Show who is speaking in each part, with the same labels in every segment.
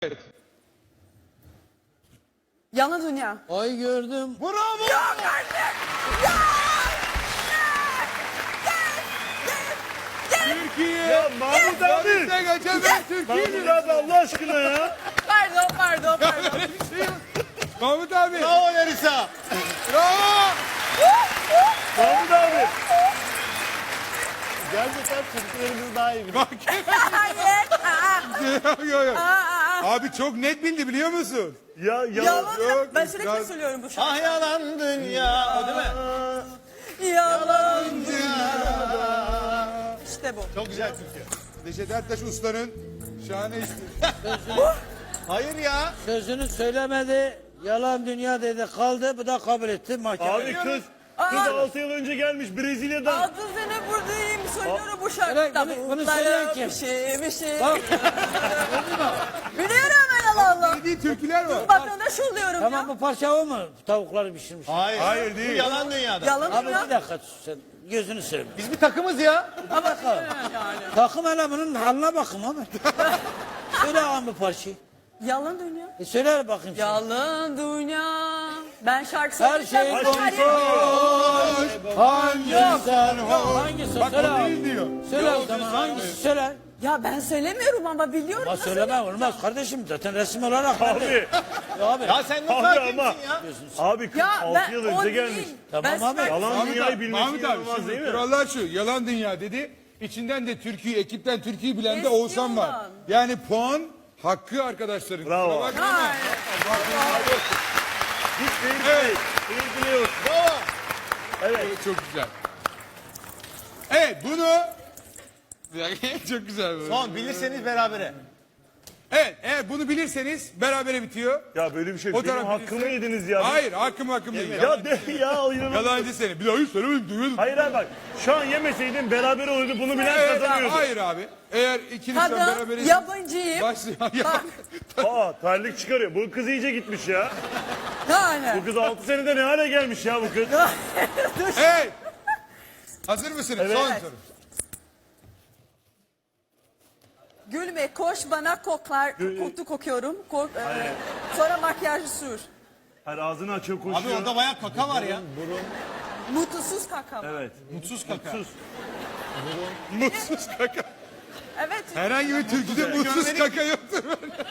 Speaker 1: Evet.
Speaker 2: Yalan dünya.
Speaker 3: Ay gördüm.
Speaker 1: Bravo.
Speaker 2: Yok artık. Ya!
Speaker 1: Türkiye.
Speaker 4: Ya Mahmut abi.
Speaker 1: Bize geçemez Türkiye'nin.
Speaker 4: Mahmut abi Allah aşkına ya.
Speaker 2: Pardon.
Speaker 1: Böyle bir şey yok. Mahmut abi.
Speaker 3: Bravo Larissa.
Speaker 1: Bravo.
Speaker 4: Mahmut abi.
Speaker 3: Gerçekten Türklerimiz daha iyi biliyor.
Speaker 2: Hayır.
Speaker 1: Yok. Abi çok net bildi biliyor musun?
Speaker 4: Ya
Speaker 2: Yalan dünya.
Speaker 1: Yok,
Speaker 2: Ben sürekli
Speaker 1: ya-
Speaker 2: söylüyorum bu şarkıyı.
Speaker 3: Ah yalan dünya. O değil mi?
Speaker 2: Yalan dünya. İşte bu.
Speaker 3: Çok güzel Türkçe.
Speaker 1: Neşet Ertaş Usta'nın şahane işi.
Speaker 3: Hayır ya.
Speaker 5: Sözünü söylemedi, yalan dünya dedi kaldı, bu da kabul etti mahkeme.
Speaker 4: abi kız 6 yıl önce gelmiş Brezilya'dan.
Speaker 2: 6 sene buradayım söylüyorum bu şarkıda.
Speaker 5: Bunu söyleyen kim?
Speaker 2: Bir şey.
Speaker 5: Bak.
Speaker 2: Biliyorum ben Allah.
Speaker 1: Dediği türküler var.
Speaker 2: Vatandaş oluyorum
Speaker 5: Tamam
Speaker 2: ya.
Speaker 5: bu parça o mu? Tavukları pişirmiş.
Speaker 3: Hayır.
Speaker 1: Hayır, değil.
Speaker 3: Bu yalan dünyada.
Speaker 2: Yalan
Speaker 5: Abi
Speaker 2: dünya.
Speaker 5: bir dakika sus sen, gözünü seveyim.
Speaker 3: Biz bir takımız ya.
Speaker 5: Ha bakalım. Takım elemanın haline bakın abi. Söyle ağam bu parçayı.
Speaker 2: Yalan dünya.
Speaker 5: Söyle bakayım sen.
Speaker 2: Yalan dünya. Ben şarkı
Speaker 5: Her
Speaker 2: söylesem
Speaker 5: şey
Speaker 2: bu
Speaker 5: boş.
Speaker 2: her yer-
Speaker 5: Hangisi sen hangisi?
Speaker 1: Bak
Speaker 5: Söyle
Speaker 1: o değil
Speaker 5: abi.
Speaker 1: diyor.
Speaker 5: Söyle o zaman hangisi söyle.
Speaker 2: Ya ben söylemiyorum ama biliyorum.
Speaker 5: Ama
Speaker 2: nasıl
Speaker 5: söyleme
Speaker 2: yapacağım?
Speaker 5: olmaz kardeşim zaten resim olarak.
Speaker 4: Abi.
Speaker 5: Ya abi.
Speaker 3: Ya sen ne
Speaker 4: Abi
Speaker 3: hakimsin
Speaker 4: ama.
Speaker 3: ya?
Speaker 4: Abi kız
Speaker 2: Ya
Speaker 4: 6 yıl
Speaker 2: ben o
Speaker 4: önce
Speaker 2: değil.
Speaker 4: gelmiş.
Speaker 5: Tamam
Speaker 2: Ben
Speaker 5: abi.
Speaker 2: süper-
Speaker 4: Yalan
Speaker 1: Mahmut
Speaker 4: dünyayı
Speaker 1: abi,
Speaker 4: bilmesi
Speaker 1: Mahmut abi
Speaker 4: inanılmaz değil
Speaker 1: şimdi
Speaker 4: mi?
Speaker 1: kurallar şu. Yalan dünya dedi. İçinden de Türkiye, ekipten Türkiye'yi bilen de
Speaker 2: Eski
Speaker 1: Oğuzhan var.
Speaker 2: olan.
Speaker 1: Yani puan hakkı arkadaşların.
Speaker 4: Bravo.
Speaker 1: Kusura bakma ama.
Speaker 2: Hayır.
Speaker 4: Hiç değil.
Speaker 1: Evet.
Speaker 4: Değil biliyor.
Speaker 3: Bravo.
Speaker 1: Evet, çok güzel. Evet bunu... Bir dakika, çok güzel bu.
Speaker 3: Son bilirseniz berabere.
Speaker 1: Evet bunu bilirseniz berabere bitiyor.
Speaker 4: Ya böyle bir şey.
Speaker 1: O
Speaker 4: Benim
Speaker 1: taraf
Speaker 4: hakkımı
Speaker 1: bilirse-
Speaker 4: yediniz ya.
Speaker 1: Hayır hakkım değil.
Speaker 4: Ya de ya inanılmaz.
Speaker 1: Yalancı seni. Bir daha hiç söylemedim duyuyordum.
Speaker 4: Hayır abi bak. Şu an yemeseydin beraber olurdu. Bunu bilen
Speaker 1: Evet,
Speaker 4: kazanıyordu.
Speaker 1: hayır abi. Eğer ikiniz
Speaker 2: Kadın
Speaker 1: beraberiz...
Speaker 2: yabancıyım.
Speaker 1: Başlıyor.
Speaker 2: Bak.
Speaker 4: Aa terlik çıkarıyor. Bu kız iyice gitmiş ya.
Speaker 2: Yani.
Speaker 4: Bu kız 6 senede ne hale gelmiş ya bu kız.
Speaker 1: Evet. Hazır mısınız?
Speaker 4: Evet.
Speaker 1: Son soru.
Speaker 2: Gülme koş bana koklar. Koku kokuyorum. Sonra makyaj sür.
Speaker 4: Her ağzını açıyor
Speaker 3: Abi
Speaker 4: koşuyor.
Speaker 3: orada bayağı kaka var ya.
Speaker 2: Mutsuz kaka.
Speaker 4: Evet.
Speaker 3: Mutsuz kaka.
Speaker 4: Sus.
Speaker 1: Mutsuz kaka.
Speaker 2: Evet.
Speaker 1: Herhangi bir türküde mutsuz kaka yoktur.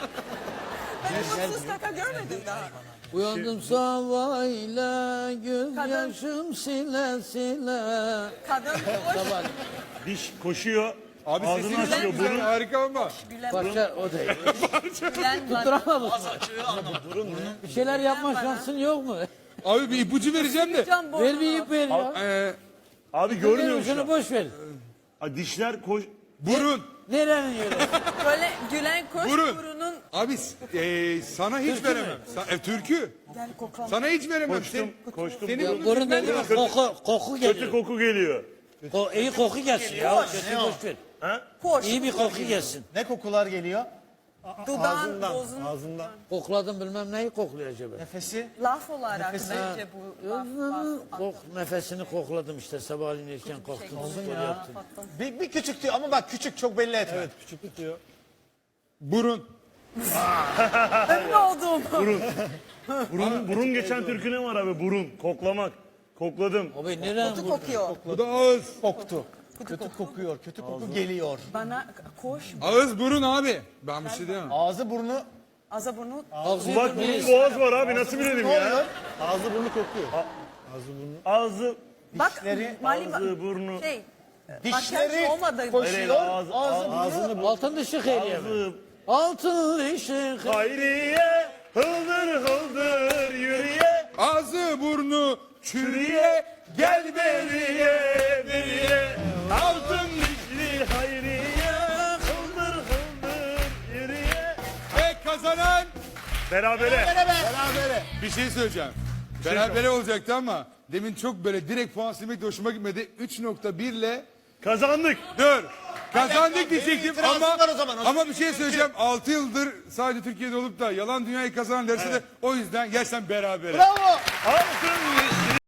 Speaker 2: Ben mutsuz kaka görmedim daha.
Speaker 5: Uyandım sabahıyla gözyaşım sile sile.
Speaker 2: Kadın koş.
Speaker 4: Diş koşuyor.
Speaker 1: Abi
Speaker 4: Ağzını
Speaker 1: sesiniz
Speaker 4: açıyor.
Speaker 1: çok güzel,
Speaker 4: Burun.
Speaker 1: harika ama.
Speaker 2: Gülen
Speaker 5: Parça o değil.
Speaker 2: gülen bana.
Speaker 5: Tutturamadık. Bir şeyler yapma şansın yok mu?
Speaker 1: Abi bir ipucu vereceğim de.
Speaker 2: Can burnunu.
Speaker 5: Ver bir ip ver ya.
Speaker 4: Abi
Speaker 5: Ver
Speaker 4: görmüyor musun?
Speaker 5: şunu boş ver.
Speaker 4: Ha, dişler koş.
Speaker 1: Burun.
Speaker 5: Nerenin yolu?
Speaker 2: Böyle gülen koş
Speaker 1: Burun.
Speaker 2: burunun.
Speaker 1: Abi sana hiç veremem. Türkü.
Speaker 2: Gel kokla.
Speaker 1: Sana hiç veremem.
Speaker 4: Koştum. Koştum.
Speaker 1: Senin
Speaker 4: Burun.
Speaker 1: bunu
Speaker 5: Burun dedi mi? Koku
Speaker 4: Kötü
Speaker 5: geliyor.
Speaker 4: koku geliyor.
Speaker 5: İyi koku gelsin ya. Kötü boş ver.
Speaker 2: Koş.
Speaker 5: İyi bir koku gelsin.
Speaker 3: Ne kokular geliyor?
Speaker 2: Dudağın, bozun.
Speaker 3: Ağzından.
Speaker 5: Kokladım bilmem neyi kokluyor acaba.
Speaker 3: Nefesi.
Speaker 2: Laf olarak bence bu laf.
Speaker 5: Nefesini kokladım işte sabahleyin erken kalktım. Spor yaptım.
Speaker 3: Bir küçük diyor ama bak küçük çok belli etme. Evet küçük diyor.
Speaker 1: Burun.
Speaker 2: Ünlü oldum.
Speaker 4: Burun geçen türkü ne var abi? Burun. Koklamak. Kokladım.
Speaker 5: Abi nereden
Speaker 2: Kutu
Speaker 5: bu?
Speaker 2: kokuyor.
Speaker 1: Bu da ağız.
Speaker 3: Koktu. Kötü kokuyor. Kötü koku geliyor.
Speaker 2: Bana koş.
Speaker 1: Ağız burun abi. Ben bir şey diyemem.
Speaker 3: Ağzı burnu.
Speaker 2: Ağza burnu.
Speaker 5: Ağzı
Speaker 4: Bak burun boğaz var abi. Nasıl bilelim
Speaker 3: Ne
Speaker 4: ya?
Speaker 3: oluyor? Ağzı burnu kokuyor.
Speaker 4: Ağzı,
Speaker 2: Bak
Speaker 3: Dişleri,
Speaker 2: Mali
Speaker 4: ağzı, burnu.
Speaker 2: şey.
Speaker 3: Dişleri
Speaker 2: Makyaj olmadı.
Speaker 3: koşuyor.
Speaker 4: Ağzı-
Speaker 3: Ağzı burnu.
Speaker 5: altın dışı hayriye mi?
Speaker 4: ağzı.
Speaker 5: Altın dışı
Speaker 4: Hayriye. Hıldır hıldır yürüye.
Speaker 1: Ağzı burnu çürüye. Gel beriye beriye.
Speaker 4: Altın dişli hayriye. Hıldır hıldır yürüye.
Speaker 1: Ve kazanan
Speaker 4: Berabere.
Speaker 3: Berabere.
Speaker 1: bir şey söyleyeceğim. Berabere olacaktı ama demin çok böyle direkt puan silmek de hoşuma gitmedi. 3.1 ile
Speaker 4: Kazandık.
Speaker 1: dur. Kazandık
Speaker 3: Benim
Speaker 1: diyecektim
Speaker 3: itirazım
Speaker 1: ama
Speaker 3: var o zaman.
Speaker 1: ama bir şey söyleyeceğim. 6 yıldır sadece Türkiye'de olup da yalan dünyayı kazanan derse de o yüzden gerçekten berabere.
Speaker 3: Bravo.
Speaker 4: Altın dişli